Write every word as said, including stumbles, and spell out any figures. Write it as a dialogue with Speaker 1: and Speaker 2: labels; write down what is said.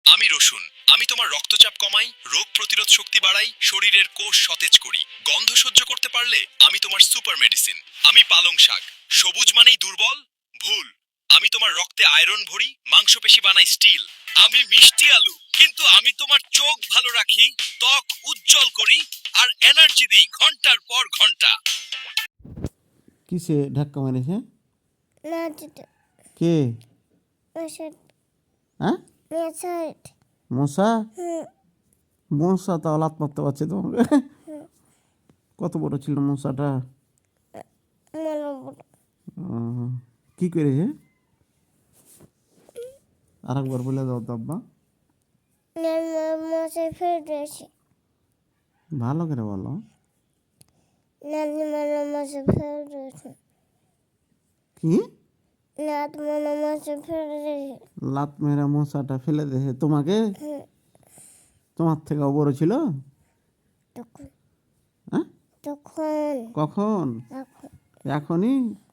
Speaker 1: আমি রসুন। আমি তোমার রক্তচাপ কমাই, রোগ প্রতিরোধ শক্তি বাড়াই, শরীরের কোষ সতেজ করি। গন্ধ সহ্য করতে পারলে আমি তোমার সুপার মেডিসিন। আমি পালং শাক। সবুজ মানেই দুর্বল? ভুল। আমি তোমার রক্তে আয়রন ভরি, মাংসপেশি বানাই স্টিল। আমি মিষ্টি আলু, কিন্তু আমি তোমার চোখ ভালো রাখি, ত্বক উজ্জ্বল করি, আর এনার্জি দিই ঘন্টার পর ঘন্টা।
Speaker 2: কিসে ধাক্কা মারিছে?
Speaker 3: না দিতে
Speaker 2: কে?
Speaker 3: মেশাট
Speaker 2: হ্যাঁ,
Speaker 3: মেশাট
Speaker 2: মশা?
Speaker 3: হুম
Speaker 2: মশা তাও লাত মারতে পারছে তোমাকে? কত বড় ছিল মশাটা?
Speaker 3: মনে
Speaker 2: আহ, কি করেছে? আর একবার বলে দাও তো আব্বা,
Speaker 3: মশাই ফেলে দিয়েছে।
Speaker 2: ভালো করে বলো।
Speaker 3: নানি মানে মশাই ফেলে দিয়েছে।
Speaker 2: কি?
Speaker 3: নাত মানে মশাই ফেলে দিয়েছে।
Speaker 2: লাত মেরা মশাটা ফেলে দিয়েছে তোমাকে?
Speaker 3: হুম
Speaker 2: তোমার থেকে বড় ছিল?
Speaker 3: তখন
Speaker 2: হ্যাঁ,
Speaker 3: তখন
Speaker 2: কখন?
Speaker 3: এখন
Speaker 2: এখনই?